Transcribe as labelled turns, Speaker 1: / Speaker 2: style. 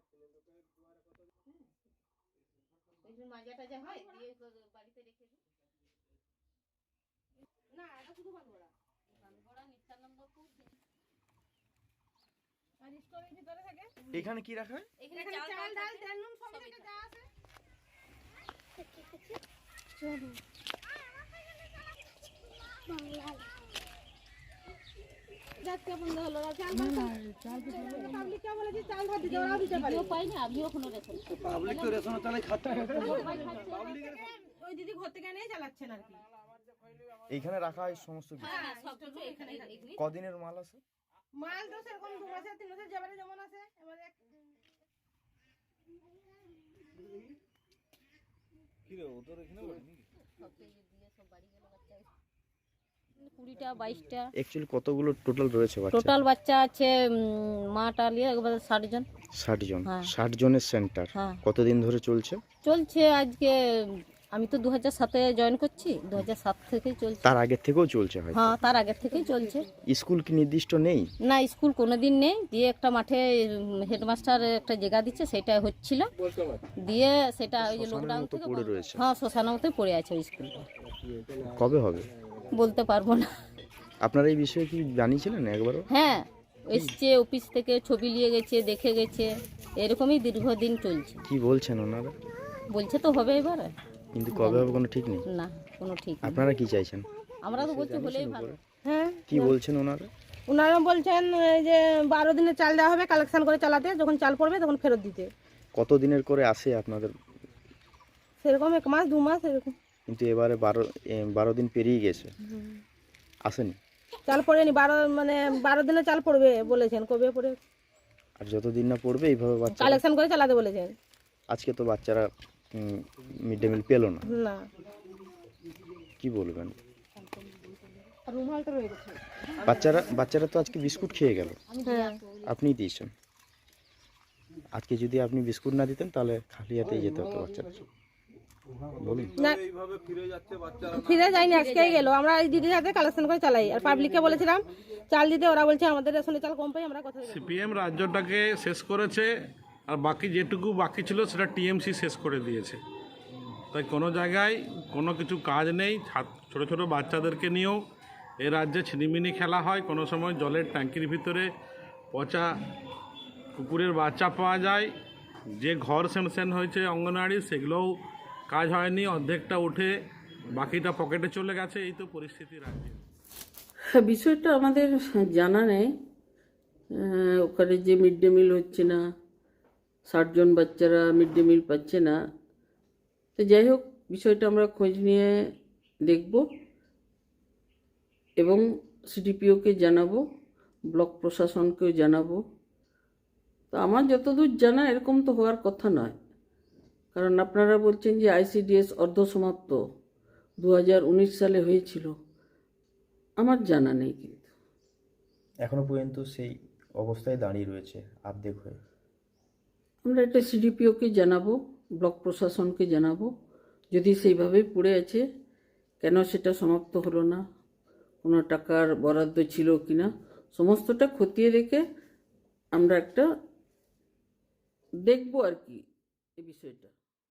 Speaker 1: মাজা টাজা হয় দিয়ে বাড়িতে রেখে দিই। না এটা শুধু বানগড়া নিত্যানন্দপুর। আর স্টোরের ভিতরে থাকে।
Speaker 2: এখানে কি রাখা হয়?
Speaker 1: এখানে চাল ডাল তেল নুন সব থেকে যা আছে। চলো বাংলা যাচ্ছে বন্ধ হলো চাল পাবলিক কে বলে যে চাল ভাত দিতে ওরা দিতে পারে পাই না আমিও কোনো রেশন
Speaker 2: পাবলিক তো রেশন তাহলে খাতে
Speaker 1: পাবলিকের ওই দিদি ঘর থেকে নিয়ে চালাচ্ছেন আর কি।
Speaker 2: এইখানে রাখা হয় সমস্ত কিছু।
Speaker 1: হ্যাঁ সব কিছু এখানে।
Speaker 2: কদিনের মাল আছে?
Speaker 1: মাল তো সেরকম 2 মাসের 3 মাসের যাবারে যেমন আছে এবারে
Speaker 2: কি রে ওদের এখানে বলি নাকি
Speaker 1: সব দিয়ে সব বাড়ি গেল বাচ্চা 20টা 22টা
Speaker 2: অ্যাকচুয়ালি কতগুলো টোটাল রয়েছে বাচ্চা?
Speaker 1: টোটাল বাচ্চা আছে মাটা নিয়ে একবারে 60 জন।
Speaker 2: 60 জন।
Speaker 1: হ্যাঁ।
Speaker 2: 60 জনের সেন্টার
Speaker 1: হ্যাঁ।
Speaker 2: কতদিন ধরে চলছে?
Speaker 1: চলছে আজকে আমি তো 2007-এ জয়েন করছি 2007 থেকেই চলছে।
Speaker 2: তার আগে থেকেও চলছে হয়?
Speaker 1: হ্যাঁ তার আগে থেকেই চলছে।
Speaker 2: স্কুল কি নির্দিষ্ট নেই?
Speaker 1: না স্কুল কোনোদিন নেই দিয়ে একটা মাঠে হেডমাস্টার একটা জায়গা দিচ্ছে সেটা হচ্ছিল দিয়ে সেটা ওই যে লকডাউন থেকে
Speaker 2: পড়ে রয়েছে।
Speaker 1: হ্যাঁ শ্মশানের মধ্যে পড়ে আছে ওই স্কুলটা।
Speaker 2: কবে হবে
Speaker 1: বলতে পারবো না।
Speaker 2: আপনারা এই বিষয়ে কি জানিয়েছিলেন একবারও?
Speaker 1: হ্যাঁ এসছে অফিস থেকে ছবি নিয়ে গেছে দেখে গেছে এরকমই দীর্ঘদিন চলছে।
Speaker 2: কি বলছেন ওনারা?
Speaker 1: বলছে তো হবে এবার।
Speaker 2: কিন্তু কবে হবে কোনো ঠিক নেই?
Speaker 1: না কোনো ঠিক নেই।
Speaker 2: আপনারা কি চাইছেন?
Speaker 1: আমরা তো বলছি হলেই ভালো। হ্যাঁ
Speaker 2: কি বলছেন ওনারা?
Speaker 1: ওনারা বলছেন এই যে 12 দিনের চাল দেওয়া হবে কালেকশন করে চালাতে যখন চাল পড়বে তখন ফেরত দিতে।
Speaker 2: কত দিনের করে আসে আপনাদের?
Speaker 1: সেরকম 1 মাস 2 মাস এরকম।
Speaker 2: কিন্তু এবারে 12 দিন পেরিয়ে গেছে আসেনি।
Speaker 1: চাল পড়েনি 12 দিনের চাল পড়বে বলেছেন কবে পড়ে।
Speaker 2: আর যতদিন না পড়বে এইভাবে বাচ্চা
Speaker 1: কালেকশন করে চালাতে বলেছেন।
Speaker 2: আজকে তো বাচ্চারা মিড ডে মিল পেলো না।
Speaker 1: না
Speaker 2: কি বলবেন?
Speaker 1: রুমালটা রয়ে গেছে।
Speaker 2: বাচ্চারা তো আজকে বিস্কুট খেয়ে গেল।
Speaker 1: হ্যাঁ
Speaker 2: আপনি দিয়েছেন। আজকে যদি আপনি বিস্কুট না দিতেন তাহলে খালি হাতেই যেতে হতো বাচ্চারা। বলুন।
Speaker 1: না ফিরে যায়নি আজকেই গেল। আমরা এই দিদির হাতে কালেকশন করে চালাই আর পাবলিককে বলেছিলাম চাল দিতে ওরা বলছে আমাদের রেশনে চাল কম পাই আমরা কথা বলি।
Speaker 3: সিপিএম রাজ্যটাকে শেষ করেছে আর বাকি যেটুকু বাকি ছিল সেটা টিএমসি শেষ করে দিয়েছে। তাই কোনো জায়গায় কোনো কিছু কাজ নেই। ছোট ছোট বাচ্চাদেরকে নিয়েও এই রাজ্যে ছিনিমিনি খেলা হয়। কোনো সময় জলের ট্যাঙ্কির ভিতরে পচা কুকুরের বাচ্চা পাওয়া যায়। যে ঘর স্যাংশন হয়েছে অঙ্গনওয়াড়ি সেগুলোও কাজ হয়নি, অর্ধেকটা উঠে বাকিটা পকেটে চলে গেছে। এই তো পরিস্থিতি রাজ্যে।
Speaker 4: বিষয়টা আমাদের জানা নেই। ওখানে যে মিড ডে মিল হচ্ছে না 60 জন বাচ্চারা মিড ডে মিল পাচ্ছে না। তো যাই হোক বিষয়টা আমরা খোঁজ নিয়ে দেখব এবং সিডিপিওকে জানাবো, ব্লক প্রশাসনকেও জানাবো। তো আমার যতদূর জানা এরকম তো হওয়ার কথা নয়, কারণ আপনারা বলছেন যে আইসিডিএস অর্ধসমাপ্ত 2019 সালে হয়েছিল। আমার জানা নেই কিন্তু
Speaker 2: এখনো পর্যন্ত সেই অবস্থায় দাঁড়িয়ে রয়েছে অর্ধেক হয়ে।
Speaker 4: আমরা এটা সিডিপিওকে জানাবো, ব্লক প্রশাসনকে জানাবো যদি সেইভাবেই পড়ে আছে কেন সেটা সমাপ্ত হলো না, কোনো টাকার বরাদ্দ ছিল কিনা সমস্তটা খতিয়ে রেখে আমরা একটা দেখবো আর কি এই বিষয়টা।